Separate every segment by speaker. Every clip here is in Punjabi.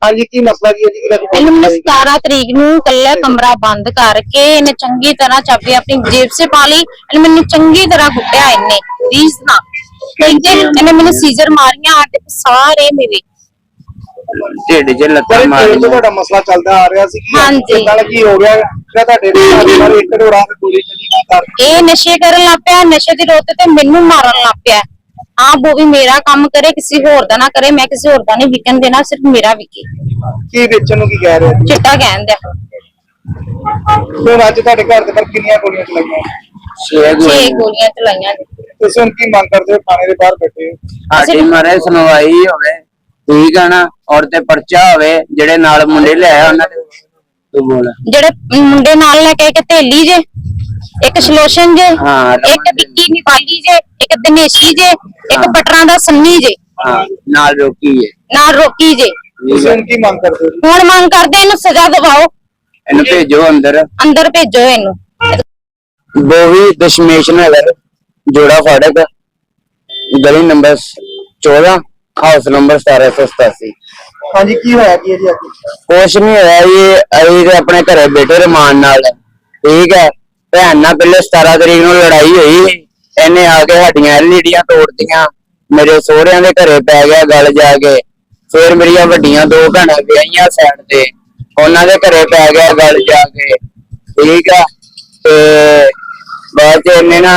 Speaker 1: ਹਾਂਜੀ ਕੀ ਮਸਲਾ ਕੀ ਹੈ ਜੀ?
Speaker 2: ਇਹਨੂੰ 17 ਤਰੀਕ ਨੂੰ ਕੱਲਾ ਕਮਰਾ ਬੰਦ ਕਰਕੇ ਇਹਨੇ ਚੰਗੀ ਤਰ੍ਹਾਂ ਚਾਬੀ ਆਪਣੀ ਜੇਬ 'ਚ ਪਾ ਲਈ। ਇਹਨੇ ਮੈਨੂੰ ਚੰਗੀ ਤਰ੍ਹਾਂ ਕੁੱਟਿਆ। ਇਹਨੇ 20 ਨਾ ਕਹਿੰਦੇ ਇਹਨੇ ਮੈਨੂੰ ਸੀਜ਼ਰ ਮਾਰੀਆਂ ਆ ਕੇ ਸਾਰੇ ਮੇਰੇ
Speaker 3: ਢਿੱਡ 'ਚ ਲੱਤਾਂ
Speaker 1: ਪਰ
Speaker 3: ਮਾਰੀਆਂ।
Speaker 1: ਤੁਹਾਡਾ ਮਸਲਾ ਚੱਲਦਾ ਆ ਰਿਹਾ ਸੀ ਕਿ
Speaker 2: ਹਾਂਜੀ।
Speaker 1: ਨਾਲ ਕੀ ਹੋ ਗਿਆ ਜਿਹੜਾ ਤੁਹਾਡੇ ਨਾਲ ਇੱਕ ਢੋੜਾ ਤੇ ਗੋਲੀ ਚੱਲੀ ਕੀ ਕਰ
Speaker 2: ਇਹ ਨਸ਼ੇ ਕਰਨ ਲੱਗ ਪਿਆ। ਨਸ਼ੇ ਦੀ ਰੋਤ ਤੇ ਮੈਨੂੰ ਮਾਰਨ ਲੱਗ ਪਿਆ। ਆਪ ਉਹ ਵੀ ਮੇਰਾ ਕੰਮ ਕਰੇ, ਕਿਸੇ ਹੋਰ ਦਾ ਨਾ ਕਰੇ। ਮੈਂ ਕਿਸੇ ਹੋਰ ਦਾ ਨਹੀਂ ਵਿਕਣ ਦੇਣਾ, ਸਿਰਫ ਮੇਰਾ ਵਿਕੇ।
Speaker 1: ਕੀ ਵੇਚਣ ਨੂੰ ਕੀ ਕਹਿ ਰਹੇ ਜੀ?
Speaker 2: ਚਿੱਟਾ ਕਹਿੰਦਾ
Speaker 1: ਹੁਣ ਅੱਜ ਤੁਹਾਡੇ ਘਰ ਦੇ ਬਾਹਰ ਕਿੰਨੀਆਂ ਗੋਲੀਆਂ ਚਲਾਈਆਂ?
Speaker 2: 6 ਗੋਲੀਆਂ ਚਲਾਈਆਂ ਨੇ।
Speaker 1: ਤੁਸੀਂ ਹੁਣ ਕੀ ਮੰਗ ਕਰਦੇ ਹੋ? ਥਾਣੇ ਦੇ ਬਾਹਰ ਬੈਠੇ ਹੋ।
Speaker 3: ਸਾਡੀ ਮਾਰੇ ਸੁਣਵਾਈ ਹੋਵੇ, ਠੀਕ ਆ ਨਾ, ਔਰ ਤੇ ਪਰਚਾ ਹੋਵੇ। ਜਿਹੜੇ ਨਾਲ ਮੁੰਡੇ ਲਿਆਇਆ ਉਹਨਾਂ ਦੇ ਤੂੰ ਬੋਲ।
Speaker 2: ਜਿਹੜੇ ਮੁੰਡੇ ਨਾਲ ਲੈ ਕੇ ਇੱਕ ਥੇਲੀ ਜੇ, ਇੱਕ ਸ਼ਲੋਸ਼ਨ ਜੇ,
Speaker 3: ਹਾਂ,
Speaker 2: ਇੱਕ ਵਿੱਕੀ ਨਿਵਾਲੀ ਜੇ, ਇੱਕ ਦਿਨੇਸ਼ੀ ਜੇ, ਇੱਕ ਪਟਰਾਂ ਦਾ ਸੰਨੀ ਜੇ,
Speaker 3: ਹਾਂ ਨਾਲ ਰੋਕੀ ਹੈ,
Speaker 2: ਨਾਲ ਰੋਕੀ ਜੇ।
Speaker 1: ਤੁਸੀਂ ਹੁਣ ਕੀ ਮੰਗ ਕਰਦੇ ਹੋ?
Speaker 2: ਹੁਣ ਮੰਗ ਕਰਦੇ ਇਹਨੂੰ ਸਜ਼ਾ ਦਿਵਾਓ,
Speaker 3: ਇਹਨੂੰ ਭੇਜੋ ਅੰਦਰ।
Speaker 2: ਅੰਦਰ ਭੇਜੋ ਇਹਨੂੰ।
Speaker 3: ਬੋਵੀ ਦਸ਼ਮੇਸ਼ ਨਗਰ, ਜੋੜਾ ਫਾੜਕ, ਗਲੀ ਨੰਬਰ 14, ਹਾਊਸ ਨੰਬਰ 1787।
Speaker 1: ਹਾਂਜੀ ਕੀ ਹੋਇਆ ਕੀ ਹੈ ਜੀ ਅੱਜ?
Speaker 3: ਕੁਛ ਨਹੀਂ ਹੋਇਆ ਜੀ, ਅਸੀਂ ਤੇ ਆਪਣੇ ਘਰੇ ਬੈਠੇ ਰਮਾਨ ਨਾਲ, ਠੀਕ ਹੈ। ਭੈਣ ਨਾਲ ਪਹਿਲੇ 17 ਤਰੀਕ ਨੂੰ ਲੜਾਈ ਹੋਈ। ਇਹਨੇ ਆ ਕੇ ਸਾਡੀਆਂ ਐਲਈਡੀਆਂ ਤੋੜਤੀਆਂ, ਮੇਰੇ ਸਹੁਰਿਆਂ ਦੇ ਘਰੇ ਪੈ ਗਿਆ ਗੱਲ ਜਾ ਕੇ। ਫਿਰ ਮੇਰੀਆਂ ਵੱਡੀਆਂ 2 ਭੈਣਾਂ ਵਿਆਹੀਆਂ ਸਾਈਡ ਤੇ, ਉਹਨਾਂ ਦੇ ਘਰੇ ਪੈ ਗਿਆ ਗੱਲ ਜਾ ਕੇ, ਠੀਕ ਆ। ਤੇ ਬਾਅਦ ਚ ਇਹਨੇ ਨਾ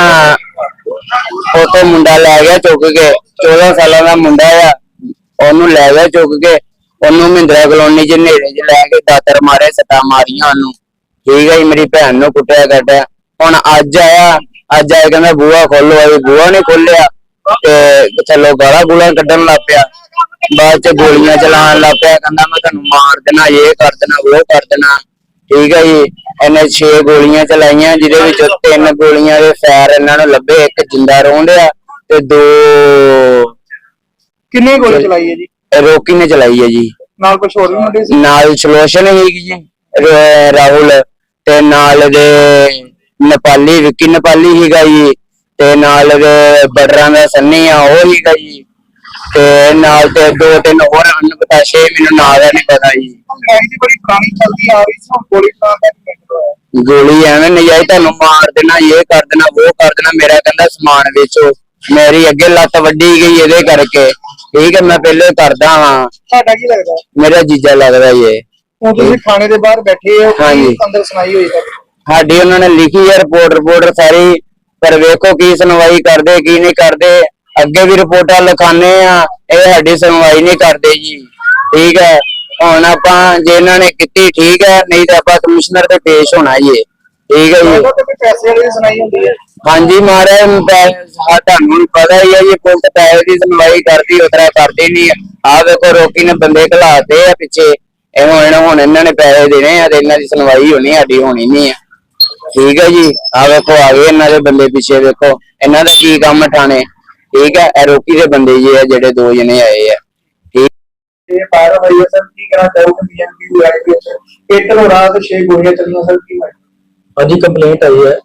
Speaker 3: ਉੱਥੋਂ ਮੁੰਡਾ ਲੈ ਗਿਆ ਚੁੱਕ ਕੇ, 14 ਸਾਲਾਂ ਦਾ ਮੁੰਡਾ ਆ, ਉਹਨੂੰ ਲੈ ਗਿਆ ਚੁੱਕ ਕੇ। ਉਹਨੂੰ ਮਹਿੰਦਰਾ ਕਲੋਨੀ ਚ ਨੇੜੇ ਚ ਲੈ ਕੇ ਦਾਤਰ ਮਾਰੇ, ਸੱਟਾਂ ਮਾਰੀਆਂ ਉਹਨੂੰ, ਠੀਕ ਹੈ ਜੀ। ਮੇਰੀ ਭੈਣ ਨੂੰ ਕੁੱਟਿਆ ਕੱਟਿਆ। ਹੁਣ ਅੱਜ ਆਇਆ ਕਹਿੰਦਾ ਬੂਹਾ ਖੋਲੋ, ਅਸੀਂ ਬੂਹਾ ਨੀ ਖੋਲਿਆ ਤੇ ਚਲੋ ਗਾਲਾਂ ਗੂਲਾਂ ਕੱਢਣ ਲੱਗ ਪਿਆ। ਬਾਅਦ ਚ ਗੋਲੀਆਂ ਚਲਾਉਣ ਲੱਗ ਪਿਆ, ਕਹਿੰਦਾ ਮੈਂ ਤੁਹਾਨੂੰ ਮਾਰ ਦੇਣਾ, ਇਹ ਕਰ ਦੇਣਾ, ਉਹ ਕਰ ਦੇਣਾ, ਠੀਕ ਹੈ ਜੀ। ਇਹਨੇ 6 ਗੋਲੀਆਂ ਚਲਾਈਆਂ, ਜਿਹਦੇ ਵਿੱਚ 3 ਗੋਲੀਆਂ ਦੇ ਫੈਰ ਇਹਨਾਂ ਨੂੰ ਲੱਭੇ, ਇੱਕ ਜਿੰਦਾ ਰੋਂਦਿਆ ਤੇ 2
Speaker 1: ਕਿੰਨੇ ਗੋਲੀ ਚਲਾਈ ਹੈ ਜੀ?
Speaker 3: ਰੋਕੀ ਨੇ ਚਲਾਈ ਹੈ ਜੀ।
Speaker 1: ਨਾਲ ਕੁਝ ਹੋਰ ਵੀ ਮੁੰਡੇ ਸੀ?
Speaker 3: ਨਾਲ ਸਲੋਸ਼ਨ ਹੈਗੀ ਜੀ, ਰਾਹੁਲ, ਤੇ ਨਾਲ ਦੇ ਨੇਪਾਲੀ, ਵਿੱਕੀ ਨੇਪਾਲੀ ਹੀਗਾ ਜੀ, ਤੇ ਨਾਲ ਦੇ ਬਟਰਾਂ ਦਾ ਸੰਨੀ ਆ, ਉਹ ਹੀਗਾ ਜੀ, ਤੇ ਨਾਲ ਤੇ 2-3 ਹੋਰ ਅਨਪਤਾਸ਼ੇ, ਮੈਨੂੰ ਨਾਂ ਦਾ ਨਹੀਂ ਪਤਾ ਜੀ।
Speaker 1: ਲੜਾਈ ਦੀ ਬੜੀ ਪੁਰਾਣੀ ਚੱਲਦੀ ਆ ਰਹੀ ਸੀ, ਹੁਣ ਗੋਲੀ ਚਲਾਉਣ ਦਾ ਕੀ ਮਤਲਬ ਹੈ?
Speaker 3: ਗੋਲੀ ਐਵੇਂ ਨਜਾਇਜ਼, ਤੁਹਾਨੂੰ ਮਾਰ ਦੇਣਾ, ਇਹ ਕਰ ਦੇਣਾ, ਉਹ ਕਰ ਦੇਣਾ। ਮੇਰਾ ਕਹਿੰਦਾ ਸਮਾਨ ਵੇਚੋ, ਮੇਰੀ ਅੱਗੇ ਲੱਤ ਵੱਢੀ ਗਈ ਇਹਦੇ ਕਰਕੇ, ਠੀਕ ਹੈ। ਮੈਂ ਪਹਿਲੇ ਕਰਦਾ ਹਾਂ।
Speaker 1: ਤੁਹਾਡਾ ਕੀ ਲੱਗਦਾ?
Speaker 3: ਮੇਰਾ ਜੀਜਾ ਲੱਗਦਾ ਜੀ।
Speaker 1: ਹੁਣ ਤੁਸੀਂ ਥਾਣੇ ਦੇ ਬਾਹਰ ਬੈਠੇ ਹੋ,
Speaker 3: ਹਾਂਜੀ।
Speaker 1: ਅੰਦਰ ਸੁਣਾਈ ਹੋਈ ਹੈ?
Speaker 3: ਸਾਡੀ ਉਹਨਾਂ ਨੇ ਲਿਖੀ ਹੈ ਰਿਪੋਰਟ ਸਾਰੀ, ਪਰ ਵੇਖੋ ਕੀ ਸੁਣਵਾਈ ਕਰਦੇ ਕੀ ਨਹੀਂ ਕਰਦੇ। ਅੱਗੇ ਵੀ ਰਿਪੋਰਟਾਂ ਲਿਖਾਣੇ ਆ, ਇਹ ਸਾਡੀ ਸੁਣਵਾਈ ਨਹੀਂ ਕਰਦੇ ਜੀ, ਠੀਕ ਹੈ। ਹੁਣ ਆਪਾਂ ਜੇ ਇਹਨਾਂ ਨੇ ਕੀਤੀ ਠੀਕ ਹੈ, ਨਹੀਂ ਤਾਂ ਆਪਾਂ ਕਮਿਸ਼ਨਰ ਤੇ ਪੇਸ਼ ਹੋਣਾ ਜੀ, ਠੀਕ ਹੈ ਜੀ।
Speaker 1: ਪੈਸੇ ਵਾਲੀ ਸੁਣਾਈ ਹੁੰਦੀ ਹੈ?
Speaker 3: ਹਾਂਜੀ ਮਹਾਰਾਜ, ਤੁਹਾਨੂੰ ਪਤਾ ਹੀ ਹੈ ਜੀ, ਪੁਲਿਸ ਪੈਸੇ ਦੀ ਸੁਣਵਾਈ ਕਰਦੀ, ਉਤਰਾ ਕਰਦੀ ਨਹੀਂ। ਆਹ ਵੇਖੋ ਰੋਕੀ ਨੇ ਬੰਦੇ ਘਲਾਤੇ ਆ ਪਿੱਛੇ, ਇਹ ਹੁਣ ਇਹਨਾਂ ਨੇ ਪੈਸੇ ਦੇਣੇ ਆ ਤੇ ਇਹਨਾਂ ਦੀ ਸੁਣਵਾਈ ਹੋਣੀ, ਸਾਡੀ ਹੋਣੀ ਨਹੀਂ ਆ, ਠੀਕ ਹੈ ਜੀ। ਆਹ ਵੇਖੋ ਆ ਗਏ ਇਹਨਾਂ ਦੇ ਬੰਦੇ ਪਿੱਛੇ, ਵੇਖੋ ਇਹਨਾਂ ਦਾ ਕੀ ਕੰਮ ਠਾਣੇ, ਠੀਕ ਹੈ। ਇਹ ਰੋਕੀ ਦੇ ਬੰਦੇ ਜੀ ਆ ਜਿਹੜੇ 2 ਜਣੇ ਆਏ ਆ, ਠੀਕ।
Speaker 1: ਇਹ ਬਾਹਰ ਹੋਈ ਹੈ ਸਰ, ਕੀ ਕਹਿਣਾ ਚਾਹੋਗੇ? ਬੀਐਮਪੀ ਲੜਾਈ ਵਿੱਚ ਇੱਕ ਨੂੰ ਰਾਤ 6 ਗੋਲੀਆਂ ਚੱਲੀਆਂ ਸਰ, ਕੀ ਹੋਇਆ?
Speaker 4: ਹਾਂਜੀ ਕੰਪਲੇਂਟ आई है,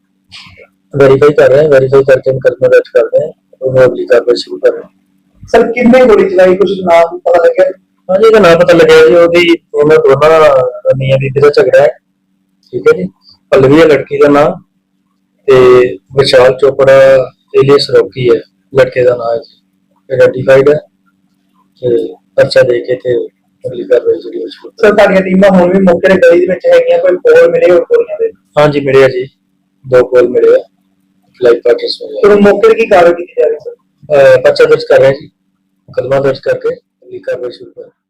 Speaker 4: वेरीफाई कर रहे हैं, वेरीफाई करके मुकदमा दर्ज कर रहे हैं और अगली कार्रवाई शुरू कर रहे हैं।
Speaker 1: सर कितने गोली चलाई, कुछ नाम पता लगे?
Speaker 4: हाँ जी, नाम पता लगे जी, उन्होंने दोनों मियां बीबी का झगड़ा है, ठीक है जी। पल्लवी है लड़की का नाम, ते विशाल चोपड़ा एलियस रॉकी है लड़के का नाम, आइडेंटिफाइड है ते पर्चा दे के ते अगली कार्रवाई शुरू।
Speaker 1: सर ਤੁਹਾਡੀਆਂ ਟੀਮਾਂ ਹੁਣ ਵੀ ਮੌਕੇ ਤੇ ਗਲੀ ਦੇ ਵਿੱਚ ਹੈਗੀਆਂ, ਕੋਈ ਕੋਲ ਮਿਲੇ ਹੋਰ ਗੋਲੀਆਂ ਦੇ?
Speaker 4: हाँ जी मिले जी, 2 कॉल मिले हैं, लाइव पार्टिस में।
Speaker 1: तो मौके की कार्रवाई की जा रही है सर?
Speaker 4: पर्चा दर्ज कर रहे हैं जी, मुकदमा दर्ज करके अगली कार्रवाई शुरू कर रहे हैं।